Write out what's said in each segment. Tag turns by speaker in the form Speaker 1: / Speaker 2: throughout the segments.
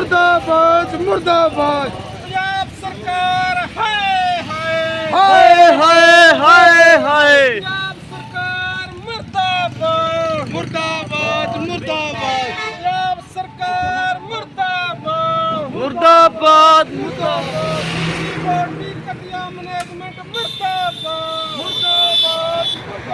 Speaker 1: मुर्दाबाद मुर्दाबाद
Speaker 2: पंजाब सरकार हाय हाय
Speaker 1: हाय हाय हाय हाय
Speaker 2: पंजाब सरकार मुर्दाबाद
Speaker 1: मुर्दाबाद मुर्दाबाद
Speaker 2: पंजाब सरकार मुर्दाबाद
Speaker 1: मुर्दाबाद मुर्दाबाद
Speaker 2: बॉडी कटिया मैनेजमेंट मुर्दाबाद
Speaker 1: मुर्दाबाद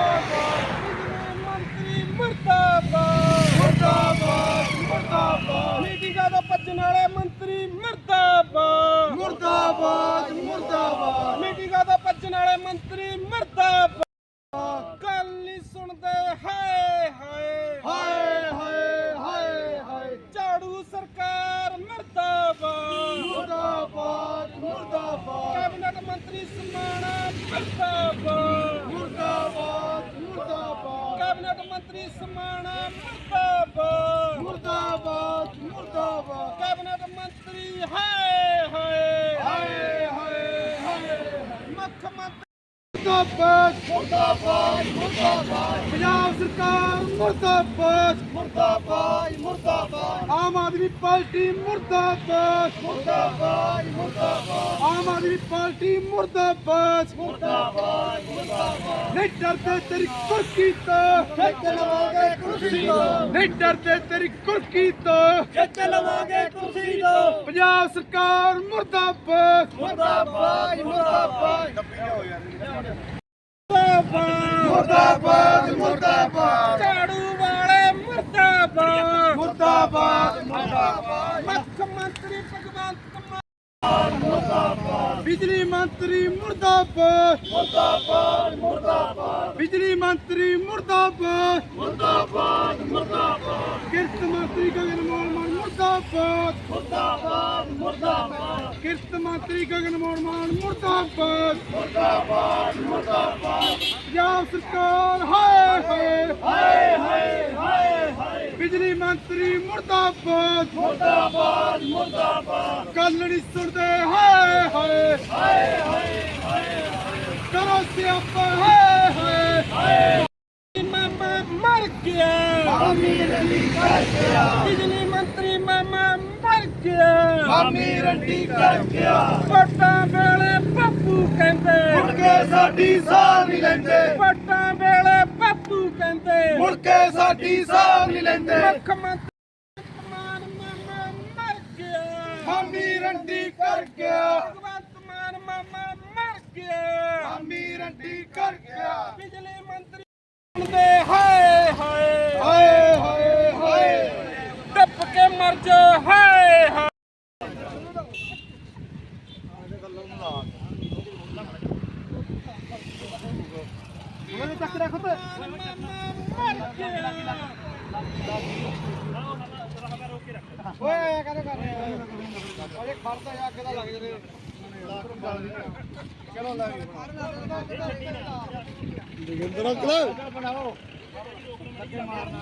Speaker 2: मंत्री मुर्दाबाद
Speaker 1: मुर्दाबाद मुर्दाबाद
Speaker 2: मीटिंगां दा भज्जण वाले मंत्री मुर्दाबाद
Speaker 1: मुर्दाबाद मुर्दाबाद
Speaker 2: मीटिंगां दा भज्जण वाले मंत्री मुर्दाबाद गल नहीं सुनदे हाय हाय
Speaker 1: हाय हाय हाय हाय
Speaker 2: झाड़ू सरकार मुर्दाबाद
Speaker 1: मुर्दाबाद मुर्दाबाद
Speaker 2: कैबिनेट मंत्री समाना मुर्दाबाद
Speaker 1: मुर्दाबाद मुर्दाबाद
Speaker 2: कैबिनेट मंत्री समाना मुर्दाबाद
Speaker 1: मुर्दाबाद मुर्दाबाद
Speaker 2: कैबिनेट मंत्री हाय हाय
Speaker 1: हाय हाय हाय
Speaker 2: मुख्यमंत्री
Speaker 1: मुर्दाबाद मुर्दाबाद मुर्दाबाद पंजाब सरकार मुर्दाबाद मुर्दाबाद मुर्दाबाद आम आदमी पार्टी मुर्दाबाद मुर्दाबाद मुर्दाबाद आम आदमी पार्टी मुर्दाबाद मुर्दाबाद मुर्दाबाद नहीं डरते तेरी कुर्की तो खिच लवांगे कुर्सी तो नहीं डरते तेरी कुर्की तो खिच लवांगे कुर्सी तो पंजाब सरकार मुर्दाबाद मुर्दाबाद मुर्दाबाद मुर्दाबाद मुर्दाबाद
Speaker 2: झाड़ू वाले मुर्दाबाद
Speaker 1: मुर्दाबाद मुर्दाबाद
Speaker 2: मुख्यमंत्री भगवंत मान
Speaker 1: बिजली मंत्री मुर्दाबाद मुर्दाबाद मुर्दाबाद बिजली मंत्री मुर्दाबाद मुर्दाबाद मुर्दाबाद किरत मंत्री गगन मोहन मान मुर्दाबाद मुर्दाबाद मुर्दाबाद किरत मंत्री गगन मोहन मान मुर्दाबाद मुर्दाबाद मुर्दाबाद पंजाब सरकार हाय हाय हाय हाय हाय हाय बिजली मंत्री मुर्दाबाद मुर्दाबाद मुर्दाबाद गल नहीं सुनते हाय हाय हाय हाय हाय करो सियापा हाय हाय हाय
Speaker 2: मामा मर गया
Speaker 1: अमीर अली कर गया
Speaker 2: बिजली मंत्री मामा मर गया
Speaker 1: अमीर अली कर गया
Speaker 2: वोटां वेले बापू कहंदे
Speaker 1: मुड़ के साडी साह नहीं लेंदे
Speaker 2: वोटां वेले बापू कहंदे
Speaker 1: मुड़ के साडी साह नहीं लेंदे
Speaker 2: मुख्यमंत्री मान मामा मर गया
Speaker 1: अमीर अली कर गया
Speaker 2: भगवंत मान मामा मर गया
Speaker 1: अमीर अली कर गया
Speaker 2: बिजली मंत्री सुनदे हाय हाय
Speaker 1: हाय हाय हाय
Speaker 2: टप के मर जा हाय हाय
Speaker 1: ਉਹਨੇ ਚੱਕ ਰੱਖ ਤੇ
Speaker 2: मर गया
Speaker 1: ਓਏ ਕਰੇ ਕਰ ਅਰੇ ਖੜਦਾ ਜਾ ਅੱਗੇ ਦਾ ਲੱਗ ਜਰੇ ਚਲੋ ਲੱਗ ਜਗਿੰਦਰ ਅੰਕਲ ਬਣਾਓ ਲੱਗੇ ਮਾਰਨਾ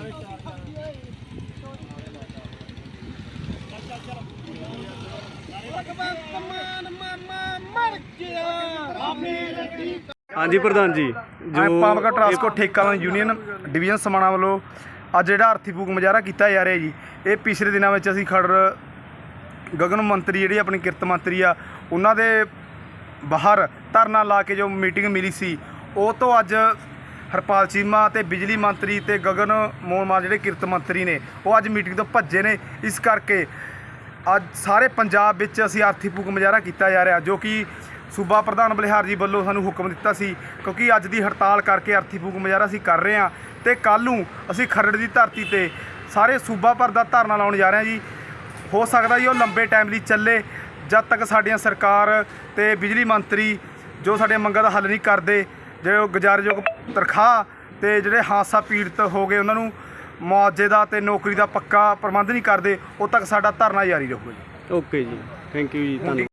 Speaker 2: भगवंत मान मामा मर गया
Speaker 3: ਹਾਂਜੀ ਪ੍ਰਧਾਨ ਜੀ
Speaker 4: ਪਾਵਰਕਾ ਟਰਾਂਸਪੋਰਟ ਠੇਕੇਦਾਰ ਯੂਨੀਅਨ ਡਿਵੀਜ਼ਨ ਸਮਾਣਾ ਵੱਲੋਂ ਅੱਜ ਜਿਹੜਾ ਅਰਥੀ ਫੂਕ ਮੁਜ਼ਾਹਰਾ ਕੀਤਾ ਜਾ ਰਿਹਾ ਜੀ, ਇਹ ਪਿਛਲੇ ਦਿਨਾਂ ਵਿੱਚ ਅਸੀਂ ਖਰੜ ਗਗਨ ਮੰਤਰੀ ਜਿਹੜੀ ਆਪਣੀ ਕਿਰਤ ਮੰਤਰੀ ਆ ਉਹਨਾਂ ਦੇ ਬਾਹਰ ਧਰਨਾ ਲਾ ਕੇ ਜੋ ਮੀਟਿੰਗ ਮਿਲੀ ਸੀ, ਉਹ ਤੋਂ ਅੱਜ ਹਰਪਾਲ ਚੀਮਾ ਤੇ ਬਿਜਲੀ ਮੰਤਰੀ ਤੇ ਗਗਨ ਮੋਹਨ ਮਾਨ ਜਿਹੜੇ ਕਿਰਤ ਮੰਤਰੀ ਨੇ ਉਹ ਅੱਜ ਮੀਟਿੰਗ ਤੋਂ ਭੱਜੇ ਨੇ। ਇਸ ਕਰਕੇ ਅੱਜ ਸਾਰੇ ਪੰਜਾਬ ਵਿੱਚ ਅਸੀਂ ਅਰਥੀ ਫੂਕ ਮੁਜ਼ਾਹਰਾ ਕੀਤਾ ਜਾ ਰਿਹਾ, ਜੋ ਕਿ ਸੂਬਾ ਪ੍ਰਧਾਨ ਬਲਿਹਾਰ ਜੀ ਵੱਲੋਂ ਸਾਨੂੰ ਹੁਕਮ ਦਿੱਤਾ ਸੀ, ਕਿਉਂਕਿ ਅੱਜ ਦੀ ਹੜਤਾਲ ਕਰਕੇ ਅਰਥੀ ਫੂਕ ਮੁਜ਼ਾਹਰਾ ਅਸੀਂ ਕਰ ਰਹੇ ਹਾਂ ਤੇ ਕੱਲ੍ਹ ਨੂੰ ਅਸੀਂ ਖਰੜ ਦੀ ਧਰਤੀ ਤੇ ਸਾਰੇ ਸੂਬਾ ਭਰ ਦਾ ਧਰਨਾ ਲਾਉਣ ਜਾ ਰਹੇ ਹਾਂ ਜੀ। ਹੋ ਸਕਦਾ ਜੀ ਉਹ ਲੰਬੇ ਟਾਈਮ ਲਈ ਚੱਲੇ, ਜਦ ਤੱਕ ਸਾਡੀਆਂ ਸਰਕਾਰ ਤੇ ਬਿਜਲੀ ਮੰਤਰੀ ਜੋ ਸਾਡੀਆਂ ਮੰਗਾਂ ਦਾ ਹੱਲ ਨਹੀਂ ਕਰਦੇ, ਜਿਹੜੇ ਗੁਜ਼ਾਰਯੋਗ ਤਨਖਾਹ ਤੇ ਜਿਹੜੇ ਹਾਦਸਾ ਪੀੜਤ ਹੋ ਗਏ ਉਹਨਾਂ ਨੂੰ ਮੁਆਵਜ਼ੇ ਦਾ ਤੇ ਨੌਕਰੀ ਦਾ ਪੱਕਾ ਪ੍ਰਬੰਧ ਨਹੀਂ ਕਰਦੇ, ਉਦੋਂ ਤੱਕ ਸਾਡਾ ਧਰਨਾ ਜਾਰੀ ਰਹੂਗਾ ਜੀ।
Speaker 3: ਓਕੇ ਜੀ, ਥੈਂਕ ਯੂ ਜੀ, ਧੰਨਵਾਦ।